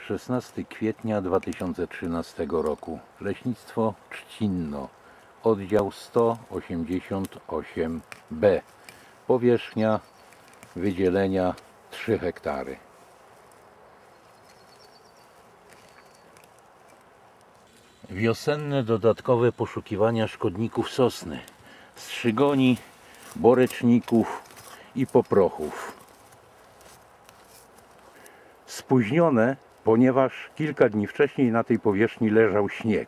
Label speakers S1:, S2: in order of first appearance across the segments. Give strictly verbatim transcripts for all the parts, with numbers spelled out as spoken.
S1: szesnastego kwietnia dwa tysiące trzynastego roku. Leśnictwo Trzcinno, oddział sto osiemdziesiąt osiem B. Powierzchnia wydzielenia trzy hektary. Wiosenne dodatkowe poszukiwania szkodników sosny, strzygoni, boreczników i poprochów. Spóźnione, ponieważ kilka dni wcześniej na tej powierzchni leżał śnieg.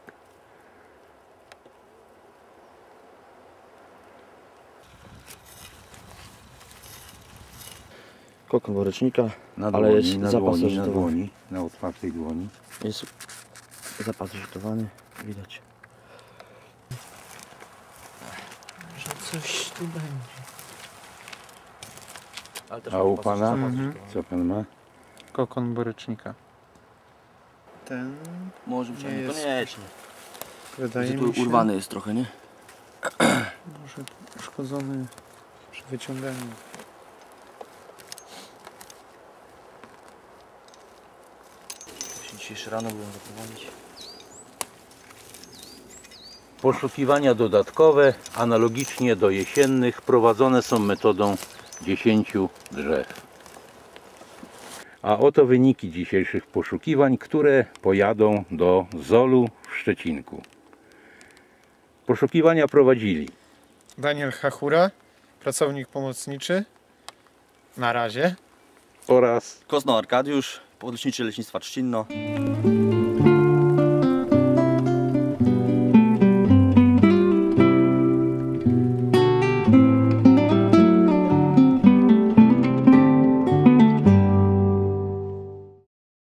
S2: Kokon worecznika,
S1: Na
S2: ale
S1: dłoni,
S2: jest
S1: na
S2: zapas
S1: dłoni, na
S2: zażytowany.
S1: dłoni, na otwartej dłoni.
S2: Jest zapas zażytowany, widać.
S3: Że coś tu będzie.
S2: Ale też
S1: A u
S2: zapas
S1: pana?
S2: zażytowany.
S1: Co pan ma?
S3: Kokon borycznika. Ten
S2: Może być,
S3: Nie
S2: ale
S3: jest-
S2: niekoniecznie.
S3: wydaje
S2: Tu
S3: mi się
S2: urwany jest trochę, nie?
S3: może uszkodzony przy wyciąganiu.
S2: Muszę dzisiejszy rano byłem zaprowadzić.
S1: Poszukiwania dodatkowe, analogicznie do jesiennych, prowadzone są metodą dziesięciu drzew. A oto wyniki dzisiejszych poszukiwań, które pojadą do Zolu w Szczecinku. Poszukiwania prowadzili
S3: Daniel Hachura, pracownik pomocniczy. Na razie.
S1: oraz
S2: Kosno Arkadiusz, podleśniczy Leśnictwa Trzcinno.